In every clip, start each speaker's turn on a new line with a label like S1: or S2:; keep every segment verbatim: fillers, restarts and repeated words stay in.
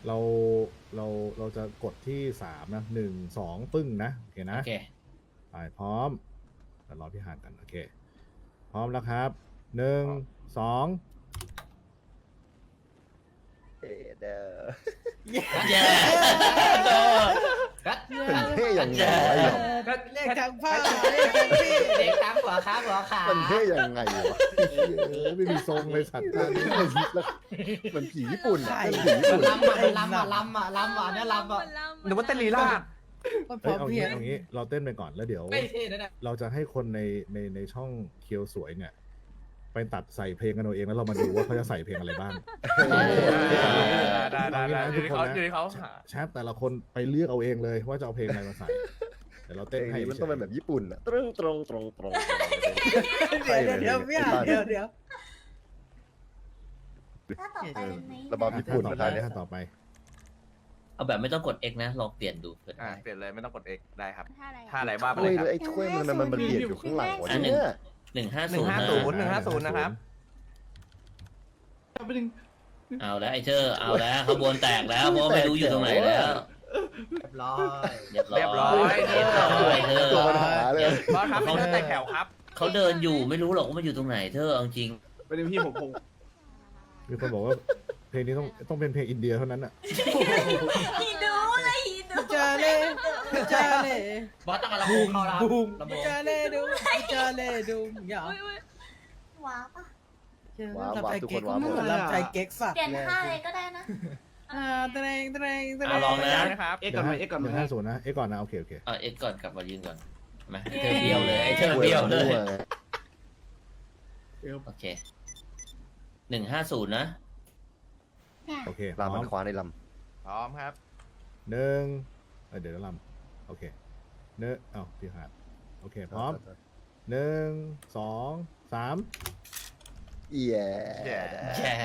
S1: เราเราเราจะกดที่สามนะหนึ่งสองปึ้งนะโอเคนะ
S2: โอเค
S1: ไปพร้อมเดี๋ยวรอพี่หานกันโอเคพร้อมแล้วครับหนึ่งสอง
S3: เอ๊ะเด้อ
S2: เย้โดน
S3: มันเท่ยังไงวะหยอง
S4: เรียกทางผ้าเรียกทางพี่
S2: เด็กตามหัวขาหัวขา
S3: มันเท่ยังไงวะ
S1: เออไม่มีทรงเลยสัตว์ท่านี้
S3: แล้วมันผีญี่ปุ่นอะเป็นผีญี่ปุ่น
S2: ลำอ่ะลำอ่ะลำอ่ะลำอ่ะเนี่ยลำอ่ะ
S5: หรือว่าเต้นลีลาด
S4: มันพ
S1: เอ้
S4: ร้
S1: ย
S4: อม
S1: เอา
S4: เพรี
S1: งี้
S4: ยง
S1: เอางี้เราเต้นไปก่อนแล้วเดี๋ยว
S2: ไม่เท่นะเนี่ย
S1: เราจะให้คนในในในช่องเคียวสวยเนี่ย ไปตัดใส่เพลงกันเอาเองแล้วเรามาดูว่าเขาจะใส่เพลงอะไรบ้าง
S5: ได้ได้ได้อยู่ที่เขาอยู่ที่เขาหา
S1: แชทแต่ละคนไปเลือกเอาเองเลยว่าจะเอาเพลงอะไรมาใส่เดี๋ยวเรา
S3: เพล
S1: เต้น
S3: ง
S1: ให้
S3: นี้มันต้องเป็นแบบญี่ปุ่นอะตรงตรงตรงตรง
S4: เดี๋ยวเดี๋ยวพี่อ่านเดี๋ยวเดี๋ยว
S6: ถ้าต่อไปเลยไหม
S3: ระบำญี่ปุ่น
S1: ต่อ
S3: นะ
S1: ไป
S3: ท่านเนี่ย
S1: ท่านต่อไป
S2: เอาแบบไม่ต้องกด X นะลองเปลี่ยนดูเผื่อ
S5: อ่า
S2: ได้
S5: เปลี่ยนเลยไม่ต้องกด X ได้ครับ
S6: ท่าอะไร
S5: ท่าอะไรว่าไป
S3: ถ้
S5: เล
S3: วย
S5: ยครับ
S3: ไอ้ถ้วยมันมันมันเบียดอยู่ข้างหลังวะเนี่ย
S2: หนึ่งห้า
S5: หนึ่
S2: ศู
S5: ง
S2: นย์
S5: ห้าศูนย์หนึ่งห้าศูนย์นะครับ
S2: เอาแล้วไอ้เธอเอาแล้วขบวนแตกแล้วเพราะไม่รู้อยู่ตรงไหนแล้ว
S4: เรียบร้อย
S2: เรียบร้อย
S5: เรียบร้อย
S2: เรียบร้อยเธอ
S3: ตัวปัญหาเลย
S5: บอสครับเป็นท่าแตกแถวครับ
S2: เขาเดินอยู่ไม่รู้หรอกว่ามันอยู่ตรงไหนเธอเอาจริง
S5: เป็นพี่ผมผม
S1: มีคนบอกว่าเพลงนี้ต้องต้องเป็นเพลงอินเดียเท่านั้นอ่ะ
S6: ฮีดูเลยฮีดู
S4: เจอเล่เจอเล่
S2: บอสต้องเอาลำโพงเข้าแล้ว
S4: บูม
S2: ลำโพง
S4: เจอเล่ดูเจอเล่ดูอย่า
S6: ว้าวปะ
S3: ว้าว
S4: ลำใจ
S3: ทุกค
S4: เก๊
S3: น
S4: ก
S3: ว้าวหมด
S4: เหมือนลำใจเก๊กสัตว์
S6: เปลี่ยน
S4: เลย
S6: ท่าเลยก็ได้นะ
S4: อ่าเตรงเตรงเตร
S2: เอา
S4: ง
S2: ลองนะ
S5: นะครับ
S1: เอ็กก่อนไหมเอ็กก่อนไหมห้าศูนย์นะเอ็กก่อนนะโอเคโอเค
S2: เอาเอ็กก่อนกลับมายืนก่อนมาเธอเบี้ยวเลยไอ้เธอเบี้ยวเลยโอเคหนึ่งห้าศูนย์นะ
S6: เนี่ย
S1: โอเคพ
S3: ลา
S1: ร้อ
S3: มั
S1: ม
S3: นคว้าในล
S5: พร้อมครับ
S1: หนึ่งเออเดี๋ยวลำโอเคเนื้อเอ้าพี่หาดโอเค
S3: ำ
S1: พร้อมหนึ่งสองสาม
S3: เย้
S5: แย่
S2: แย่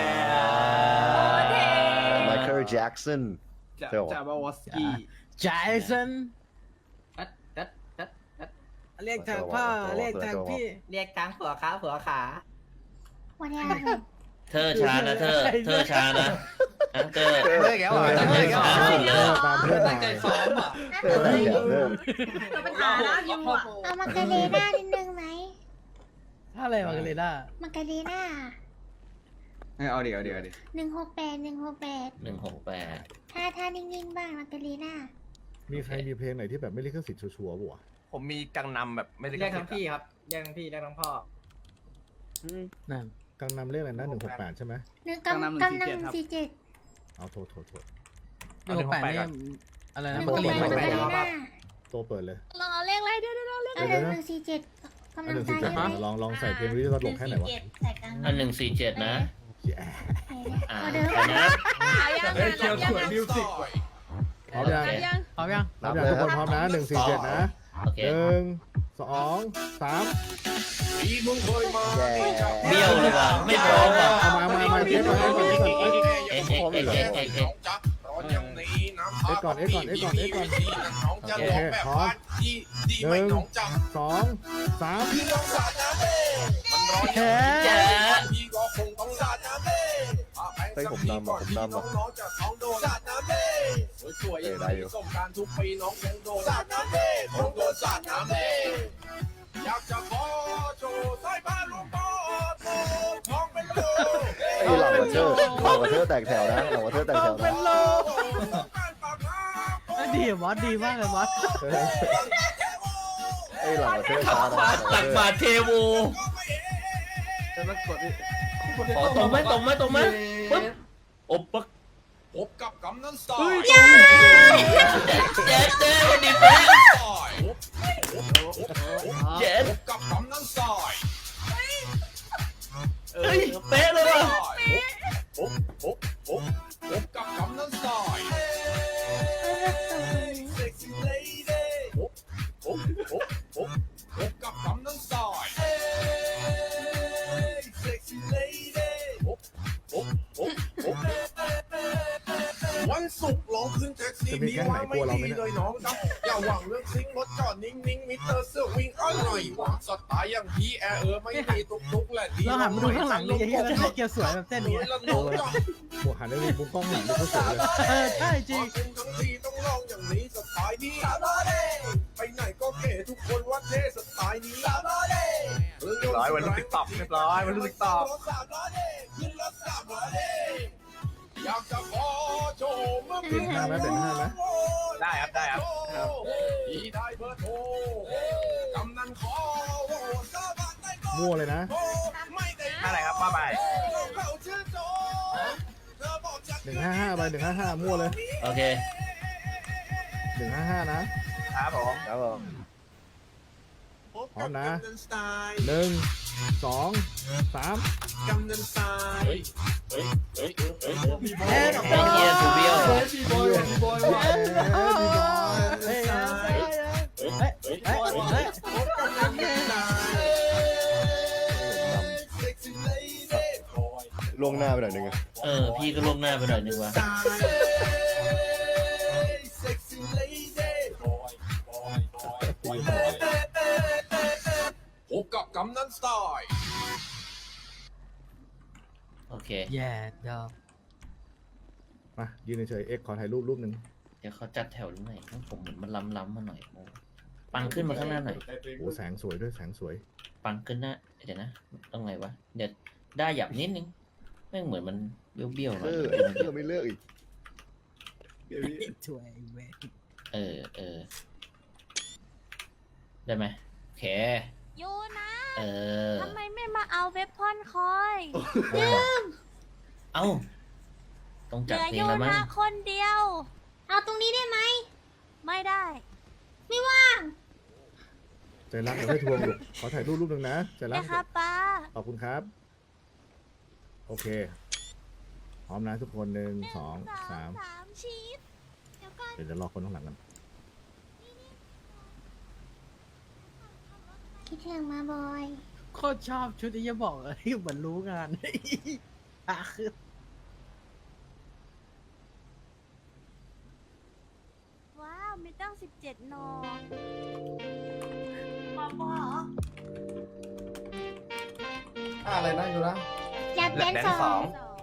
S3: ไมเคิลแจ็กสัน
S5: จะ
S3: เดี๋ยว
S5: จะบาวสกี้
S4: จาสัน
S2: ตัดตัดตัดตัด
S4: เรียกทางผ้าเรียกทางพี่
S2: เรียกทางหัวขาหัวขา
S6: วันนี้
S2: เธอชานะเธอ เธอชานะนะเธอ
S5: เลิกแล้วเหรอ
S2: ตั้งใจซ้อม
S1: เออตามเพื่อน
S2: ตั้งใจซ้อมอ่ะ
S3: เออได้แบบเริ่ม
S6: เราปัญหาแล้วยูอ่ะเอามาการีน่านิดนึงไหม
S4: ถ้าอะไรมากันเลยด้า
S6: มาการีน่า
S5: เอาเดี๋ยวเดี๋ยวเดี๋ยว
S6: หนึ่งหกแปดหนึ่งหกแปด
S2: หนึ่งหกแปด
S6: ท่าท่านิ่งๆบ้างมาการีน่า
S1: มีใครมีเพลงไหนที่แบบไม่ลิขสิทธิ์ชัวร์ๆบ่วะ
S5: ผมมีกังนำแบบไม่ได้
S2: เรียกทั้งพี่ครับเรียกทั้งพี่เรียกทั้งพ่อ
S4: นั่น
S1: กังนำเรียกอะไรนะหนึ่งหกแปดใช่ไหม
S6: หนึ่งกำกำลังสี่เจ็ด
S1: เอาโทษโทษโทษ
S4: หนึ่งหกแปดนี่อะไร
S6: ห
S4: นะ
S6: นึ่ง
S4: มัน
S6: ห
S4: ก็
S6: ก
S4: เรียก
S6: แปด
S4: ไม่
S6: มา
S4: ได้
S6: การีน่า
S1: ตัวเปิดเลย
S6: ลองเอาเลขอะไรเดี๋ยวเดี๋ยวเลขอะไรหนึ่งสี่เจ็ดกำ
S1: อั
S6: ลั
S1: น
S6: ง
S1: หนึ่ง
S6: ใจ
S1: สี่เจ็ด
S6: ไหม
S1: ลองลองใส่เพลงวิทยุตลกแค่ไหนวะ
S6: ใส่กลาง
S2: อันหนึ่งสี่เจ็ดนะ
S1: แย่
S2: อ่า
S6: เอาเดิม
S2: ไปนะ
S5: เฮ้ยเคียวสวยมิวสิก
S1: พร้อมยัง
S2: โอเค
S4: พร้อมยัง
S1: พร้อมยังทุกคนพร้อมนะหนึ่งสี่เจ็ดนะ
S2: โอเค
S1: หนึ่งสองสาม
S3: แย่
S2: เบี้ยวเลยว่ะไม่พร้อมว่ะ
S1: เอามามามาเอ็กก่อนเอ็กก่อนเอ็กก่อน
S2: เอ็กเอ็กเอ็กเอ็กเอ็กเอ็ก
S1: เอ็กก่อนเอ็กก่อนเอ็กก่อนเอ็กก่อนโอเคพร้อมหนึ่งสองสาม
S4: แค่
S2: แจ๊ะ
S3: เฮ้ยผมนำอ่ะผมนำอ่ะเออได้อยู่ ไอ้เหล่าวอเทอร์เหล่าวอเทอร์แตกแถวนะเหล่าวอเทอร์แตกแถว
S4: เป็
S3: นะ
S4: นโลดีบอสดีมากเลยบอส
S3: ไอ้เหล่าวอเทอร์ช้านะ
S2: บาทตักบาทเทโวขอตรงไหมตรงไหมตรงไหมปึ๊บอบปัก
S7: พบกับกำนันสาย
S2: เจ๊เจ๊เจ๊วันนี้เป๊ะเจ๊
S7: พบกับกำนันสาย
S2: เฮ้ยเป๊ะเลยว่ะ
S7: พบพบพบพบกับกำนันสายเซ็กซี่เลดี้พบพบพบพบพบกับกำนันสายเซ็กซี่เลดี้พบพบพบพบวันศุกร์ลองขึ้นแท็กซี่มีว่าไม่ดีเลยน้องจ๊ะอย่าหวังเรื่องซิงรถจอดนิ่งๆมิเตอร์เสื้อวิ่งอร่อยหวังสไตล์อย่างพี่แอร์เออไม่มีตุกตุกและดี
S4: เราหันมาดูข้างหลังนี่ยังแล้วเกียวสวยแบบเต้นอย่างเงี้ย
S7: ละน้องจ้ะ
S1: โอ้หันไปมุมกล้องหลังดูเขาสวยเลย
S4: เออใช่จริง
S7: ทั้งทีต้องลองอย่างนี้สไตล์นี้ไปไหนก็เก๋ทุกคนว่าเท่สไตล์นี้
S5: เรียบร้อยวันลูกติ๊กต็อกเรียบร้อยวันลูกติ๊กต็อก
S7: อยากจะขอโชว์เมื่อ
S1: เปลี่ยนห้าไหมเปลี่ยนห้าไหม
S5: ได้ครับได้ครับ
S7: พี่ได้เบอร์โทรกำนันขอโหสมัครได้ก็
S1: มั่วเลยนะ
S7: ไม่ได้
S5: อะไรครับว่าไป
S7: เขาชื่อโจเธอบอกจะ
S1: หนึ่งห้าห้าไปหนึ่งห้าห้ามั่วเลย
S2: โอเค
S1: หนึ่งห้าห้านะครับ
S5: ผม
S3: ครับผม
S1: พร้อมนะหนึ่งสองสาม
S7: กำนันสาย
S4: เอ็ด
S2: ไอ้เฮียถูเบี้ยว
S1: เฮ้ยดีบอย
S4: เฮ้ยเฮ้ยเฮ้ยเฮ้ยเฮ้ย
S3: ล่วงหน้าไปหน่อยหนึงอะ
S2: เออ พี่ก็ล่วงหน้าไปหน่อยนึงว่ะ
S7: พบกับกำนันสไตล์
S2: โอเค
S4: แย่ดอก
S1: มายืนเฉยๆเอ็กขอถ่ายรูปรูปหนึ่ง
S2: เดี๋ยวเขาจัดแถวหรือไงต้องผมเหมือนมันล้ำๆมาหน่อยโอ้ปังขึ้นมาข้างหน้าหน่อย
S1: โอ้แสงสวยด้วยแสงสวย
S2: ปังขึ้นหน้าเดี๋ยวนะต้องไงวะเดี๋ยวได้หยับนิดนึงแม่งเหมือนมันเบี้ยวๆหน่
S3: เอ
S2: อย
S3: อเออไม่เลือกอีก
S4: ช่วยเว้ย
S2: เออเออได้ไหมโอเค
S6: ยูนะ
S2: เออ
S6: ทำไมไม่มาเอาเว็บพอนคอย
S2: เอ้าต้อง
S6: เห
S2: จัด
S6: ลือ
S2: เพลง
S6: ยู
S2: แล้วมั้ง
S6: นะคนเดียว เอาตรงนี้ได้ไหม ไม่ได้ ไม่ว่าง
S1: ใจรักเดี๋ยวให้ทวงลูกขอถ่ายรูปรูปหนึ่งนะใจรัก
S6: นะครับป้า
S1: ขอบคุณครับ โอเค พร้อมนะทุกคนหนึ่งสองสาม
S6: สามชีสเดี๋ยวก่อน
S1: เดี๋ยวจะรอคนข้างหลังกัน
S6: คิดถึงมาบอย
S4: โคตรชอบชุดที่จะบอกเลยเหมือนรู้งานอ่ะคือ
S6: ว้าวมีตั้งสิบเจ็ดนอมาบอ
S3: อะไรนะอยู่นะ
S6: จับ
S5: แล
S6: เป็น
S5: บแดน
S6: ส
S5: ส
S6: อ
S5: อง ง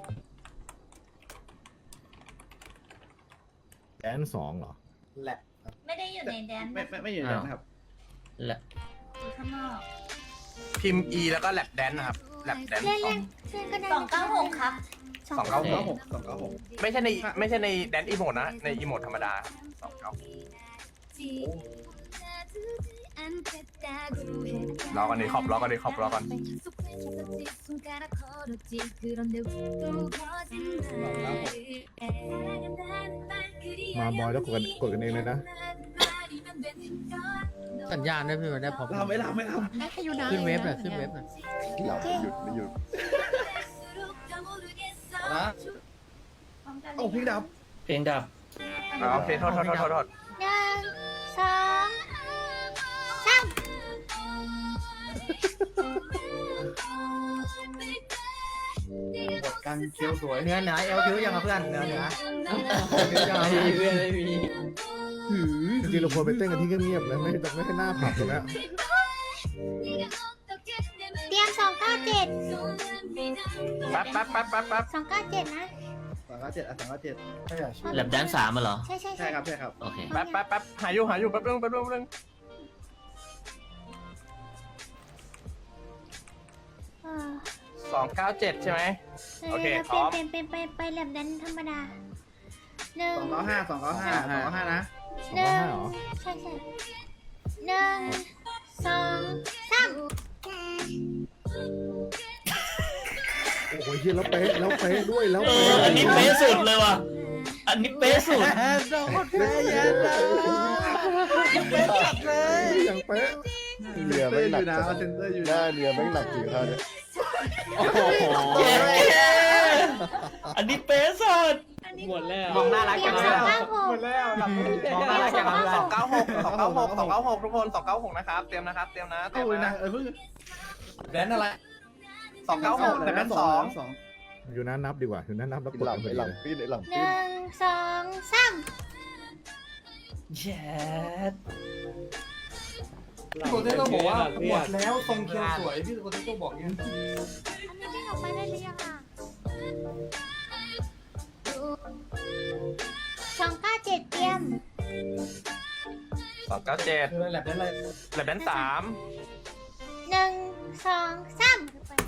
S1: แดนสองเหรอ
S3: แหละ
S6: ไม่ได้อยู่ในแดน
S3: ไม่ไม่ไม่อยู่แล้วนะครับ
S2: และ
S6: อยู่ข้างนอก
S5: พิมพ์ E แล้วก็แลบแดนนะครับแลบแดน
S6: เล่น
S5: สอ
S6: เล่
S5: ง
S6: นเล่นก็ได้สองเก้าหกครับ
S5: สองเก้าหก
S3: สองเก้าหก
S5: ไม่ใช่ในไม่ใช่ในแดนอีโมดนะ ในอีโมดธรรมดาสองเก้า รอกันดิขอบรอกันดิขอบรอกัน
S1: มาบอยแล้วกดกันกดกันเองเลยนะ
S4: สัญญาณได้พี่มาได้พอ
S3: ทำไม่ทำไม่ท
S4: ขึ้นเว็บหน่อยขึ้นเว็บหน่อย
S3: ำหลับหยุดไม่หยุดนะโอ้พี่ดับ
S2: เพลงดับ
S5: อ๋อโอเคโทษโทษโทษโทษโทษ
S6: หนึ่งสองสาม
S3: การเคี้ยวสวย
S4: เนื้อหนาเอลคิวยังกับเพื่อนเนื้อหนา
S2: เพื่อนไม่มี
S1: จริงๆเราควรไปเต้นกันที่เงียบๆนะไม่ต้องไม่ให้หน้าผับเลยนะ
S6: เตรียมสองเก้าเจ็ด
S5: แป๊บแป๊บแป๊บแป๊บแป๊บ
S6: สองเก้าเจ็ดนะ
S3: สองเก้าเจ็ดอ่ะสองเก้าเจ็ดใช่
S2: แลบแดนสามมาเหรอ
S6: ใช่ใช่
S3: ใช่ครับใช่ครับ
S2: โอเค
S5: แป๊บแป๊บแป๊บหาอยู่หาอยู่แป๊บนึงแป๊บนึงแป๊บนึง
S6: เออ
S5: สองเก้าเจ็ดใช่ไหม โอเคพร้อม
S6: เป็นเป็นเป็นไปแลบดันธรรมดาหนึ่ง
S3: สองเก้าห้าสองเก้าห้าสองเก้าห้านะ
S1: สองร้อยห้าเหรอ
S6: ใช่ใช่หนึ่งสองสาม
S1: โอ้โหเฮียแล้วเป๊ะแล้วเป๊ะด้วยแล้ว
S2: เอ
S1: เป๊ะ
S2: ออันนี้เป๊ะสุดเลยว่ะอันนี้เป๊ะสุด
S4: แอนโดนแพ้ยันเลยเป็นจัดเลย
S1: อย่างเป๊ะ
S3: เรือไม่หนักนะเซนเตอร์อยู่หน้าเรือไม่หนักจริงครับเนี่ย
S1: โอ้โห
S2: เย้อันนี้เป๊ะสุด
S5: หมดแล้วมองหน้ารัก
S6: เตรี
S5: กั
S6: ย
S5: น
S6: ม
S5: แล้
S6: สอง
S5: ว
S6: เก้าหก
S5: หมดแล้วหลับมองหน้ารักกันแล้วสองเก้าหกสองเก้าหกสองเก้าหกทุกคนสองเก้าหกนะครับเตรียมนะครับเตรียมนะเตรียม
S3: โอ้ยนะ
S5: นะ
S3: เออเพิ่ง
S5: แดนอะไรสองเก้าหกแต่แดนสอง
S3: สอง
S1: อยู่นั้นนับดีกว่าอยู่นั้นนับแล้วก
S3: ห
S1: ด
S3: ลั
S1: กั
S3: ง
S1: น
S3: ไป
S1: ไป
S3: หลัง
S1: เลย
S3: ปีนหลัง
S6: ห
S3: ปีน
S6: นึ่งสองสาม
S2: แย่
S8: พี่โกเต้ก็บอกว่าหมดแล้วทรงเคียวสวยพี่โกเต้ก็บอกอย่างนี้
S6: อันนี้วิ่งออกไปได้หรือยังอ่ะสองเก้าเจ็ดเตรียม
S5: สองเก้าเจ็ด
S8: คือแลบได้เลย
S5: แลบแดนสาม
S6: หนึ่งสองสาม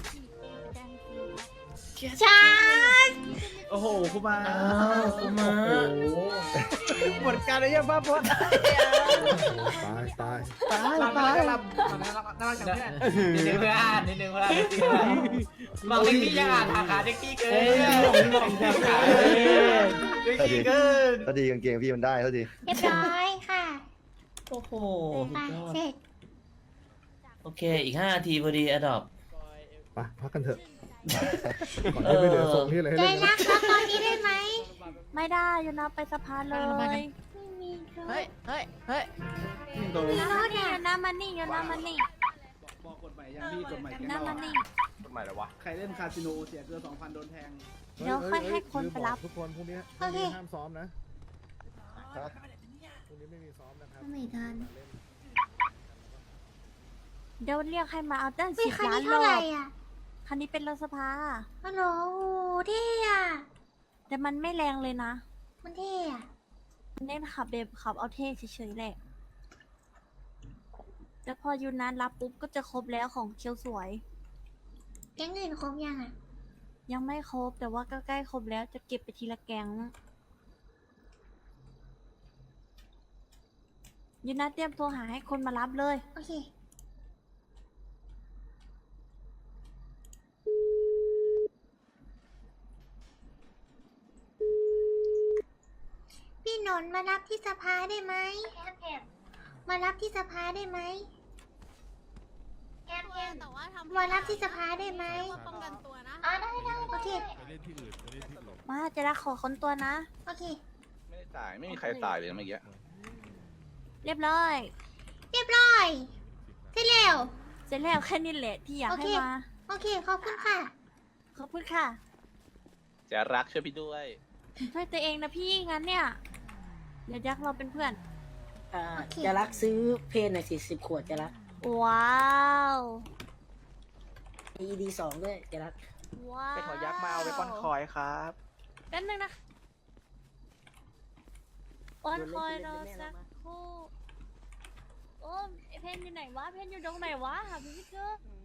S6: ชาร์จ
S4: โอ้โหคุณมา
S2: อ้าวกูมา
S4: หมดการเลยยังบ้าบอส
S1: ตายตาย
S4: ตาย
S8: รับ
S4: ตาย
S8: รับรับน่ารักจังแค่
S5: นิดนึงเพื่อนนิดนึงเพื่อนมองเด็กพี่ยังอ่านหาเด็กพี่เกิน
S4: เอ้ยหลงแถวขา
S5: เด็กพี่เกิน
S3: เท่าทีกางเกงพี่มันได้เท่าที
S6: เรียบร้อยค่ะ
S2: โอ้โห
S6: ไป
S2: สุดยอด
S6: เสร็จ
S2: โอเค อีกห้านาทีพอดีอดอบ
S1: ไปพักกันเถอะก่อนที่ไม่เหลือทรงที่อะไรให้
S6: ใจ
S1: เล่น
S6: รั
S1: นะ
S6: กแล้วตอนนี้ได้ไหม
S9: ไม่ได้อยู่นะไปสะพานเลย
S6: ไม่มีร
S4: เฮ้ย
S6: ถ
S4: เฮ้ยเฮ้ย
S6: ไม่มีรถ
S9: นี่
S6: อ่ะ
S9: อยู่นะมันนี่อยู่นะมันนี่
S8: บอกกฎหมายยังพี่กฎหมาย
S9: อยู่
S8: แก๊ง
S9: นะ
S8: เรา
S9: มันนี่
S5: กฎหมายอะไรวะ
S8: ใครเล่นคาสิโนเสียเกินสองพันโดนแทง
S9: เดี๋ยวค่อยให้คนไปรับ
S1: ทุกคนพรุ่งนี้พรุ่งนี้ห้ามซ้อมนะพรุ่งนี้ไม่มีซ้อมนะครับ
S6: ไม่ทัน
S9: เดี๋ยวเรียกให้มาเอาตั้ง
S6: วิ
S9: สิบ
S6: คัน
S9: ล้าน
S6: นี้
S9: ร
S6: เท่า
S9: อ
S6: ไหร่
S9: บ
S6: อ่ะ
S9: คันนี้เป็นรถสภา
S6: ฮัลโหลโอ้เท่อะ
S9: แต่มันไม่แรงเลยนะ
S6: มันเท่อะ
S9: มันเน้นขับแบบขับเอาเท่เฉยๆแหละแต่พอยูนานรับปุ๊บก็จะครบแล้วของเคียวสวย
S6: แก๊งอื่นครบยังอ่ะ
S9: ยังไม่ครบแต่ว่าก็ใกล้ครบแล้วจะเก็บไปทีละแกงยูนาเตรียมโทรหาให้คนมารับเลย
S6: โอเคพี่หนนท์มารับที่สภาได้ไหมมารับที่สภาได้ไหมแอมแอม
S9: แต่ว่าทำ
S6: มารับที่สภาได้ไหม
S9: ป้องกันตัวนะ
S6: อ๋อได้ได้โอเค
S9: มาจะรักขอค้นตัวนะ
S6: โอเค
S5: ไม่ได้ตายไม่มีใครตายเลยเมื่อกี้
S9: เรียบร้อย
S6: เรียบร้อยเสร็จแล้ว
S9: เสร็จแล้วแค่นี้แหละที่อยาก
S6: โอ
S9: ให้
S6: เค
S9: มา
S6: โอเค ขอบคุณค่ะ
S9: ขอบคุณค่ะ
S5: จะรักช่วยพี่ด้วย
S9: ช่วยตัวเองนะพี่งั้นเนี่ย เดี๋ยวยักษ์เราเป็นเพื่อน
S10: อ่า
S6: โอเค
S10: จะรักซื้อเพนหน่อยสิสิบขวดจะรัก
S9: ว้าว
S10: มี อี ดี สองด้วยจะรัก
S9: ว้าว
S5: เป็นหัวยักษ์มาเอาไปป้อนคอยครับ
S9: แป๊บนึงนะป้อนคอยรอสักครู่โอ้ยไอ้เพนอยู่ไหนวะ เพนอยู่ตรงไหนวะหาพี่ไม่เจอ